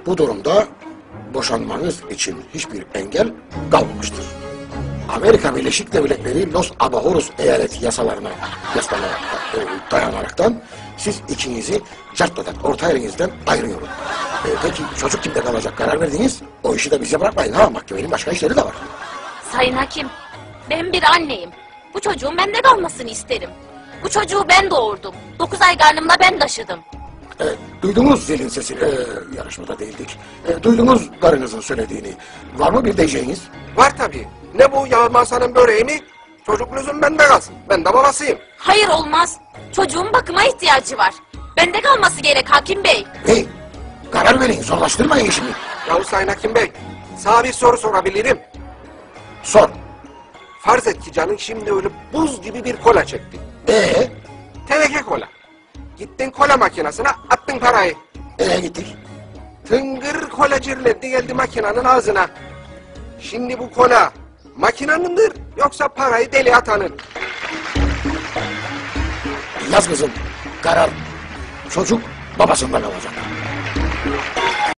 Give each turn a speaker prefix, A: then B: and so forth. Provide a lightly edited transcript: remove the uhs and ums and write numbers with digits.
A: Bu durumda boşanmanız için hiçbir engel kalmamıştır. Amerika Birleşik Devletleri Los Abajoros eyaleti yasalarına dayanaraktan siz ikinizi cartladan, orta elinizden ayırıyorum. Peki çocuk kimde kalacak, karar verdiniz? O işi de bize bırakmayın ha, mahkemenin başka işleri de var.
B: Sayın Hakim, ben bir anneyim. Bu çocuğun bende kalmasını isterim. Bu çocuğu ben doğurdum. 9 ay karnımda ben taşıdım.
A: Duydunuz zilin sesini, yarışmada değildik. Duydunuz karınızın söylediğini. Var mı bir diyeceğiniz?
C: Var tabii. Ne bu Yağmasanın böreği mi? Çocuk lüzum bende kalsın. Ben de babasıyım.
B: Hayır olmaz. Çocuğun bakıma ihtiyacı var. Bende kalması gerek Hakim Bey.
A: Hey, karar verin, zorlaştırmayın işimi.
C: Yahu Sayın Hakim Bey, sana bir soru sorabilirim.
A: Sor.
C: Farz et ki canın şimdi öyle buz gibi bir kola çekti. Teneke kola. Gittin kola makinesine attın parayı.
A: Gittik.
C: Tıngır kola cirletti geldi makinenin ağzına. Şimdi bu kola makinanındır yoksa parayı deli atanın.
A: Yaz kızım, karar çocuk babasından alacak.